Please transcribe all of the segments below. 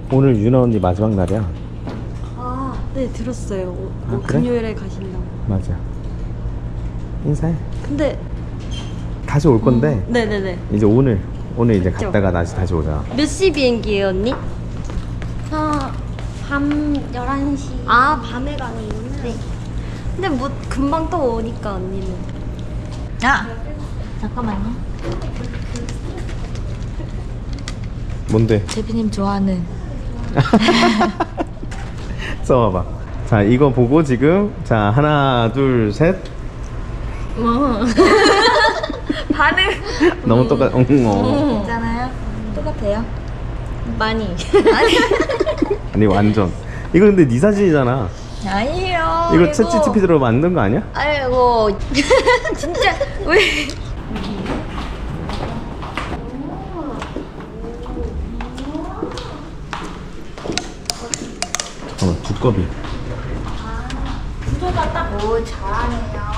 오늘 유나 언니 마지막 날이야. 아, 네 들었어요. 아, 그래? 금요일에 가신다고. 맞아. 인사해. 근데 다시 올 건데 네네네. 이제 오늘 이제 그쵸? 갔다가 다시 오자. 몇 시 비행기예요, 언니? 밤 11시. 아, 밤에 가는구나. 네. 근데 뭐 금방 또 오니까 언니는. 아! 잠깐만요. 뭔데? 대표님 좋아하는. 써봐봐. 자, 이거 보고 지금 자 하나 둘 셋. 뭐? 반응 너무 똑같. 있잖아요. 똑같아요. 많이. 아니 완전. 이거 근데 네 사진이잖아. 아니에요. 이거 챗 GPT로 만든 거 아니야? 아이고. 진짜 왜? 잠깐만 두꺼비. 구조가 딱. 오, 잘하네요.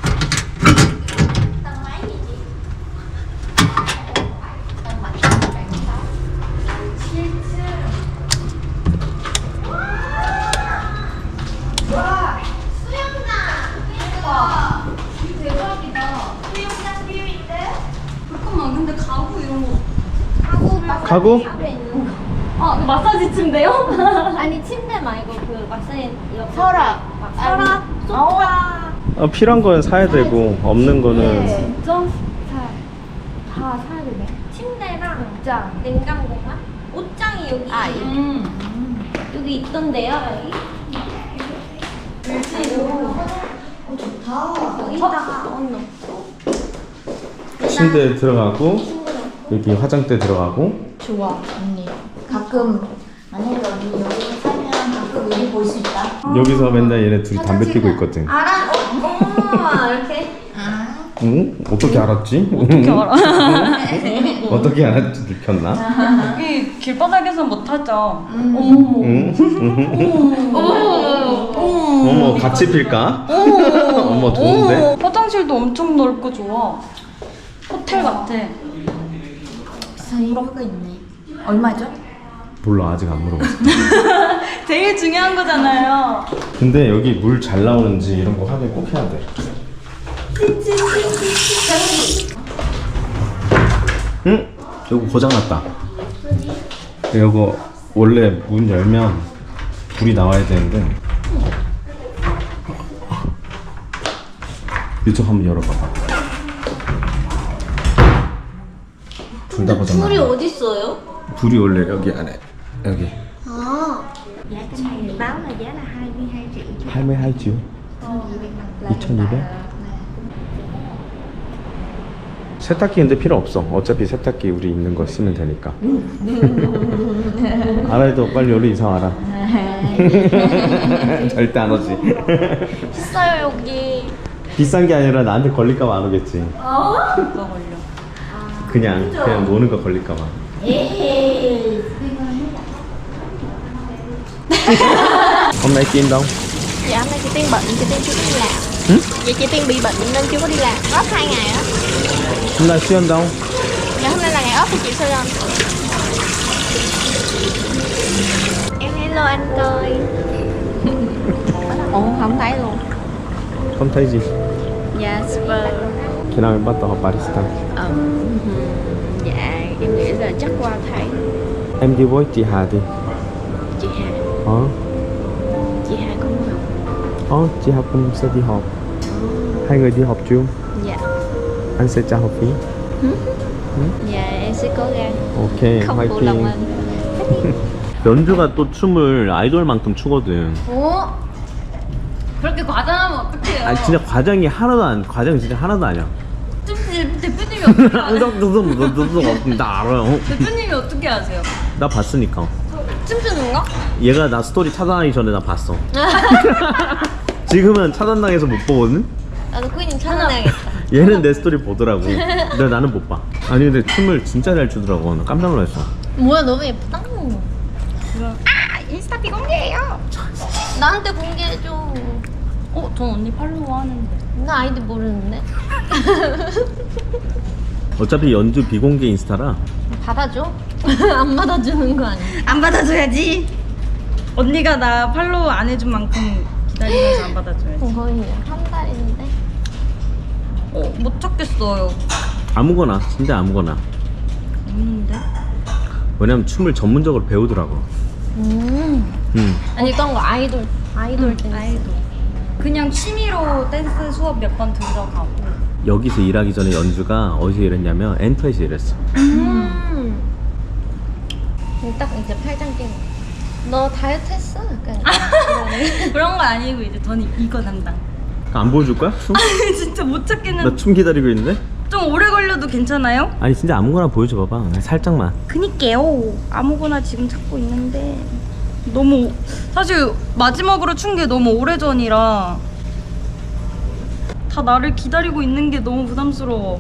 잠깐만, 근데 가구 이런 거. 가구? 아, 그 마사지 침대요? 아니 침대 말고 그 마사지 옆에 서랍. 서랍, 소파. 필요한 건 사야 되고 없는 거는 진짜? 다 사야 되네. 침대랑 옷장. 냉장고만? 옷장이 여기. 아, 여기 있던데요, 여기? 좋다. 여기다가 언니. 침대 들어가고 여기 화장대 들어가고. 좋아 언니. 가끔 만약에 언니 여기 살면 가끔 여기 볼 수 있다. 여기서 맨날 얘네 둘이 담배 피고 있거든. 알아? 어머, 이렇게. 응? 어떻게 알았지? 어떻게 알아? 어떻게 알았지? 들켰나? 여기 길바닥에서 못 하죠. 응? 어머. 어머 같이 필까? 어머 좋은데? 화장실도 엄청 넓고 좋아. 호텔 같아. 비싼 이유가 있네. 얼마죠? 몰라 아직 안 물어봤어. 제일 중요한 거잖아요. 근데 여기 물 잘 나오는지 이런 거 확인 꼭 해야 돼. 응? 이거 고장났다. 이거 원래 문 열면 불이 나와야 되는데. 이쪽 한번 열어봐봐. 둘 다 고장났다. 불이 어디 있어요? 불이 원래 여기 안에 여기. 아, giá trên này báo là giá là 22 triệu. 22지요? 2200? 세탁기 근데 필요 없어. 어차피 세탁기 우리 있는 거 쓰면 되니까. 알아도 빨리 여기 이사 와라. 절대 안 오지. 비싸요 여기. 비싼 게 아니라 나한테 걸릴까봐 안 오겠지. 뭐가 걸려? 그냥 노는 거 걸릴까봐. Hôm nay Kim đâu? Dạ hôm nay chị Tiên bệnh, chị Tiên chưa có đi làm. Vậy chị Tiên bị bệnh nên chưa có đi làm. Off 2 ngày á. Hôm nay Siêu đâu? Dạ hôm nay là ngày off của chị Sư Anh. Em hello anh coi. Ủa không thấy luôn. Không thấy gì. Dạ super. Khi nào em bắt đầu học barista? Dạ em nghĩ là chắc qua thấy. Em đi với chị Hà đi. Chị Hà. Chị Hà có học. Chị Hà cũng sẽ đi học. Hai người đi học chung. Dạ. Anh sẽ trả học phí. Dạ em sẽ cố gắng. 오케이 không phụ lòng 화이팅. anh. 연주가 또 춤을 아이돌만큼 추거든. 어? 그렇게 과장하면 어떡해요? 아니 진짜 과장이 과장이 진짜 하나도 아니야. 대표님이 어떻게 아세요? 나 알아요. 대표님이 어떻게 아세요? 나 봤으니까. 춤추는 거? 얘가 나 스토리 차단하기 전에 나 봤어. 지금은 차단당해서 못 보거든. 나도 꾸이님 찾아내야겠다. 얘는 내 스토리 보더라고. 근데 나는 못 봐. 아니 근데 춤을 진짜 잘 추더라고. 나 깜짝 놀랐어. 뭐야 너무 예쁘다. 아 인스타 비공개해요. 나한테 공개해줘. 전 언니 팔로우 하는데. 나 아이디 모르는데. 어차피 연주 비공개 인스타라. 받아줘? 안 받아주는 거 아니야? 안 받아줘야지. 언니가 나 팔로우 안 해준 만큼 기다리면서 안 받아줘야지. 거의 한 달인데. 못 찾겠어요. 아무거나, 진짜 아무거나. 없는데? 왜냐면 춤을 전문적으로 배우더라고. 아니 어떤 거 아이돌 댄스. 아이돌. 그냥 취미로 댄스 수업 몇 번 들어가고. 여기서 일하기 전에 연주가 어디서 일했냐면 엔터에서 일했어. 딱 이제 팔짱 끼고. 너 다이어트 했어? 약간 그런 거 아니고 이제 저는 이거 담당. 안 보여줄 거야? 춤? 진짜 못 찾겠는. 나 춤 기다리고 있는데? 좀 오래 걸려도 괜찮아요? 아니 진짜 아무거나 보여줘 봐봐. 살짝만. 그니까요. 아무거나 지금 찾고 있는데 너무 사실 마지막으로 춘 게 너무 오래전이라 다 나를 기다리고 있는 게 너무 부담스러워.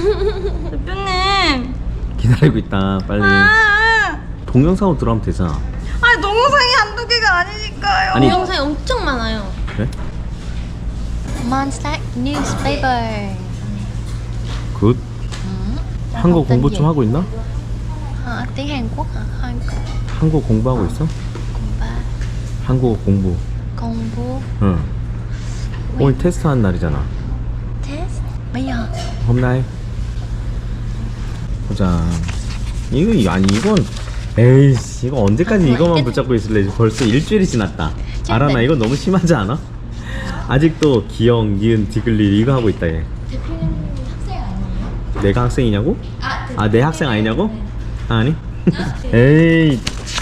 대표님. 기다리고 있다. 빨리. 동영상으로 들어가면 되잖아. 아니 동영상이 한두 개가 아니니까요. 아니. 영상이 엄청 많아요. 그래? Monster Newspaper. 굿. 한국 공부 좀 하고 있나? tiếng Hàn Quốc hả? 한국 공부하고 있어? 한국어 공부. 공부 응. 오늘 테스트 하는 날이잖아. test bây giờ. 홈나이. 보자. 아니 이건 에이씨 이거 언제까지 이거만 붙잡고 있을래? 벌써 일주일이 지났다. 알아 나 이거 너무 심하지 않아? 아직도 기영, 니은, 디글리 이거 하고 있다 얘. 대표님 학생 아니에요? 내가 학생이냐고? 아 내 학생 아니냐고? 아니. 에이.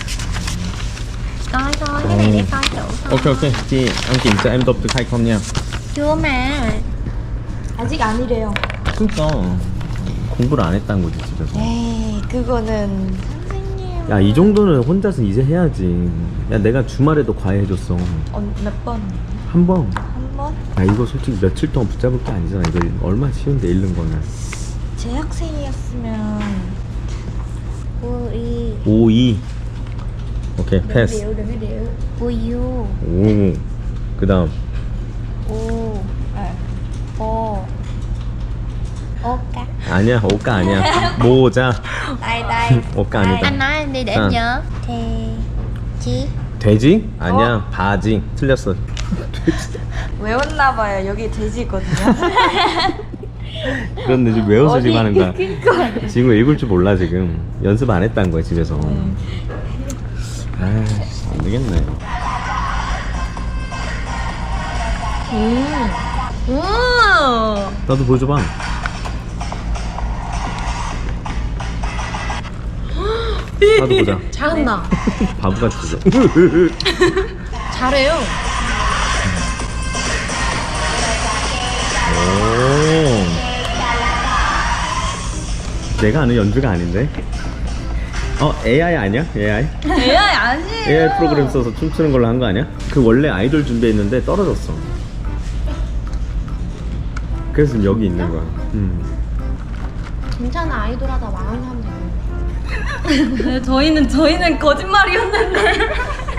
Coi cái này để coi thử thôi. Ok ok chị em kiểm tra em tập được hay không nha. Chưa mà. 아직 아니래요. 그러니까 공부를 안 했다는 거지 집에서. 에이 그거는 선생님. 야 이 정도는 혼자서 이제 해야지. 야 내가 주말에도 과외 해줬어. 몇 번? 한 번. 한 번? 야 이거 솔직히 며칠 동안 붙잡을 게 아니잖아. 이거 얼마나 쉬운데 읽는 거는. 제 학생이었으면 우리 5, 2. 오케이 패스. 우유. 오. 그다음 오. 오. 오까. 아니야 오까 아니야. 모자. đây đây. 오까 아니다. Anh nói em đi để em À. nhớ. Thì chi. 돼지? 아니야 바지. 틀렸어. 외웠나 봐요. 여기 돼지거든요. 그런데 지금 외워서 지금 하는 거야. 지금 읽을 줄 몰라 지금. 연습 안 했다는 거야 집에서. 아, 안 되겠네. 나도 보여줘봐. 나도 보자. 잘한다. 바보같이. 잘해요. 오. 내가 아는 연주가 아닌데. AI 아니야? AI? AI 아니에요. AI 프로그램 써서 춤추는 걸로 한 거 아니야? 그 원래 아이돌 준비했는데 떨어졌어. 그래서 지금 여기 있는 거야. 괜찮아 아이돌 하다 망한 사람도 있는데. 저희는 거짓말이었는데.